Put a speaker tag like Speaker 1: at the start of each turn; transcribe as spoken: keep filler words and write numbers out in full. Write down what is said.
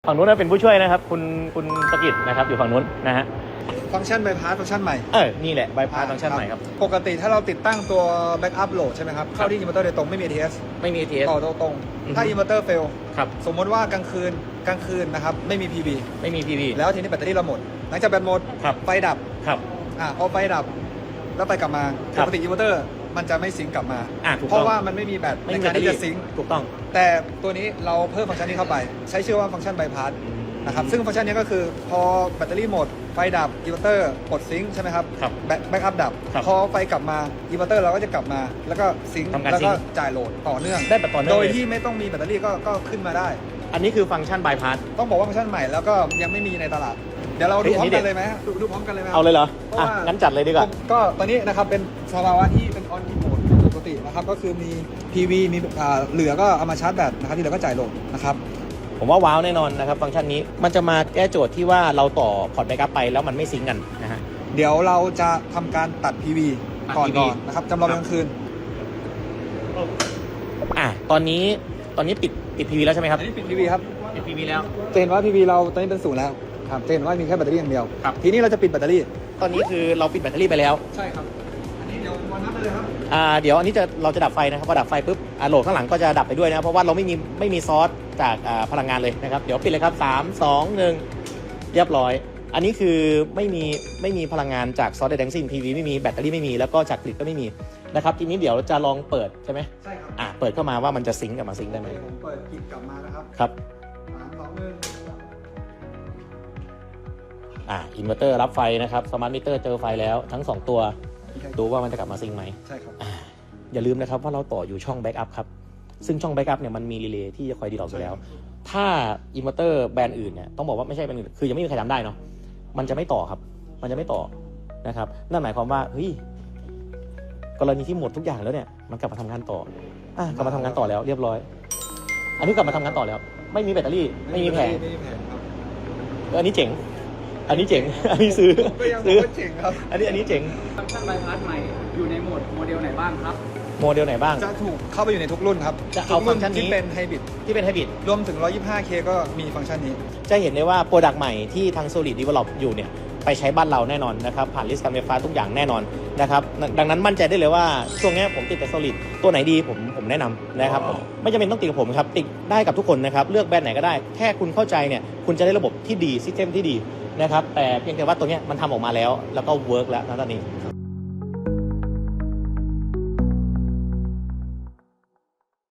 Speaker 1: ฝั่งนู้นเป็นผู้ช่วยนะครับคุณคุณประกิตนะครับอยู่ฝั่งนู้นนะฮะ
Speaker 2: ฟังก์ชันใบพัดฟังก์ชันใหม่
Speaker 1: เออนี่แหละใบพัดฟังก์ชันใหม่ครับ
Speaker 2: ปกติถ้าเราติดตั้งตัวแบ็กอัพโหลดใช่ไหมครับเข้าที่อินเวอร์เตอร์โดยตรงไม่มี เอ ที เอส
Speaker 1: ไม่มี เอ ที เอส
Speaker 2: ต่อตรงถ้าอินเวอร์เตอร์เฟล
Speaker 1: ครับ
Speaker 2: สมมติว่ากลางคืนกลางคืนนะครับไม่มี พี วี
Speaker 1: ไม่มี พี วี
Speaker 2: แล้วทีนี้แบตเตอรี่เราหมดหลังจากแบตหมดไฟดับ
Speaker 1: ครับ
Speaker 2: อ่าพอไฟดับแล้วไปกลับมาปกติอินเวอร์เตอร์มันจะไม่ซิงก์กลับมาเพราะว่ามันไม่มีแบตในการที่จะซิงก์
Speaker 1: ถูกต้อง
Speaker 2: แต่ตัวนี้เราเพิ่มฟังก์ชันนี้เข้าไปใช้ชื่อว่าฟังก์ชันใบพัดนะครับซึ่งฟังก์ชันนี้ก็คือพอแบตเตอรี่หมดไฟดับอินเวอร์เตอร์ปลดซิงค์ใช่ไหมครับแบ็กอัพดับพอไฟกลับมาอินเวอร์เตอร์เราก็จะกลับมาแล้วก็ซิงค์แล้วก็จ่ายโหลดต่อเนื่อง
Speaker 1: ได้แบบต่อเนื่อง
Speaker 2: โดยที่ไม่ต้องมีแบตเตอรี่ก็ก็ขึ้นมาได้
Speaker 1: อันนี้คือฟังก์ชันบายพาส
Speaker 2: ต้องบอกว่าฟังก์ชันใหม่แล้วก็ยังไม่มีในตลาดเดี๋ยวเราดูพร้อมกันเลยไหมดูดูพร้อมกันเลยไหม
Speaker 1: เอาเลยเหรออ่ะงั้นจัดเลยดีกว่า
Speaker 2: ก็ตอนนี้นะครับเป็นสภาวะที่เป็นออนกิโหมดปกตินะครับก็คือมี พี วี มีเหลือก็เอามาชาร์จแบตนะครับที่เหลือก็จ่ายโหลดนะครับ
Speaker 1: ผมว่าว้าวแน่นอนนะครับฟังก์ชันนี้มันจะมาแก้โจทย์ที่ว่าเราต่อพอร์ตแบ็กอัพไปแล้วมันไม่ซิงกันนะฮะ
Speaker 2: เดี๋ยวเราจะทำการตัด พี วี ก่อนก่อนนะครับจำลองกลางคืน
Speaker 1: อ่ะตอนนี้ตอนนี้ปิดปิด พี วี แล้วใช่ไหมครับ
Speaker 2: อันนี้ปิด พี วี ครับ
Speaker 1: ปิด พี วี แล้ว
Speaker 2: จะเห็นว่า พี วี เราตอนนี้เป็นศูนย์แล้วครับจะเห็นว่ามีแค่แบตเตอรี่อย่างเดียวทีนี้เราจะปิดแบตเตอรี่
Speaker 1: ตอนนี้คือเราปิดแบตเตอรี่ไปแล้ว
Speaker 2: ใช่ครับอันนี้เดี๋ยววันนับไปเลยครับ
Speaker 1: อ่าเดี๋ยวอันนี้จะเราจะดับไฟนะครับพอดับไฟปุ๊บอ่าโหลดข้างหลังก็จะดับไปด้วยนะเพราะว่าเราไม่มีไม่มีซอสจากอ่าพลังงานเลยนะครับเดี๋ยวปิดเลยครับสาม สอง หนึ่งเรียบร้อยอันนี้คือไม่มีไม่มีพลังงานจากซอสใดทั้งสิ้น พี วี ไม่มีแบตเตอรี่ไม่มีแล้วก็จากกริดก็ไม่มีนะครับทีนี้เดี๋ยวจะลองเปิดใช่ไหม
Speaker 2: ใช่ครับ
Speaker 1: อ่าเปิดเข้ามาว่ามันจะซิงก์กับมาซิงก์ได้ไหม
Speaker 2: ผมเปิดกริดกลับมานะครับ
Speaker 1: ครับ
Speaker 2: สาม สอง หนึ่ง
Speaker 1: อ่าอินเวอร์เตอร์รับไฟนะครับสมาร์ทมิเตอร์เจอไฟแล้วทั้งสองตัวดูว่ามันจะกลับมาซิงก์ไหม
Speaker 2: ใช่ครับ
Speaker 1: อย่าลืมนะครับว่าเราต่ออยู่ช่องแบ็กอัพครับซึ่งช่องแบ็กอัพเนี่ยมันมีรีเลย์ที่จะคอยดีดออกอยู่แล้วถ้าอินเวอร์เตอร์แบรนด์อื่นเนี่ยต้องบอกว่าไม่ใช่แบรนด์อื่นคือยังไม่มีใครทำได้เนาะมันจะไม่ต่อครับมันจะไม่ต่อนะครับนั่นหมายความว่าเฮ้ยกรณีที่หมดทุกอย่างแล้วเนี่ยมันกลับมาทำงานต่ออ่ะกลับมาทำงานต่อแล้วเรียบร้อยอันนี้กลับมาทำงานต่อแล้วไม่มีแบตเตอรี่ไม่มีแผงอันนี้เจ๋งอันนี้เจ๋งอันนี้ซื้อ
Speaker 2: ซื้อเจ๋งครับ
Speaker 1: อันนี้อันนี้เจ๋ง
Speaker 3: ฟังก์ชันใบพัดใหม่อยู่ในโหมดโมเดลไหนบ้างครับ
Speaker 1: โมเดลไหนบ้าง
Speaker 2: จะถูกเข้าไปอยู่ในทุกรุ่นครับ
Speaker 1: จะเอาฟังก์ชันนี้
Speaker 2: ที่เป็นไฮบริด
Speaker 1: ที่เป็นไฮบริด
Speaker 2: รวมถึง หนึ่งร้อยยี่สิบห้าเค ก็มีฟังก์ชันนี้
Speaker 1: จะเห็นได้ว่าโปรดักต์ใหม่ที่ทาง Solid Develop อยู่เนี่ยไปใช้บ้านเราแน่นอนนะครับผ่านลิสต์การไฟฟ้าทุกอย่างแน่นอนนะครับดังนั้นมั่นใจได้เลยว่าช่วงนี้ผมติดแต่ Solid ตัวไหนดีผมผมแนะนำนะครับไม่จำเป็นต้องติดกับผมครับติดได้กับทุกคนนะครับเลือกแบรนด์ไหนก็ได้แค่คุณเข้าใจเนี่ยคุณจะได้ระบบที่ดีซิสเต็มที่ดีนะครับแต่เพียงแต่ว่าตัวนี้มันทำออกมาแล้วแล้วก็เวิร์กแล้วนะตอนนี้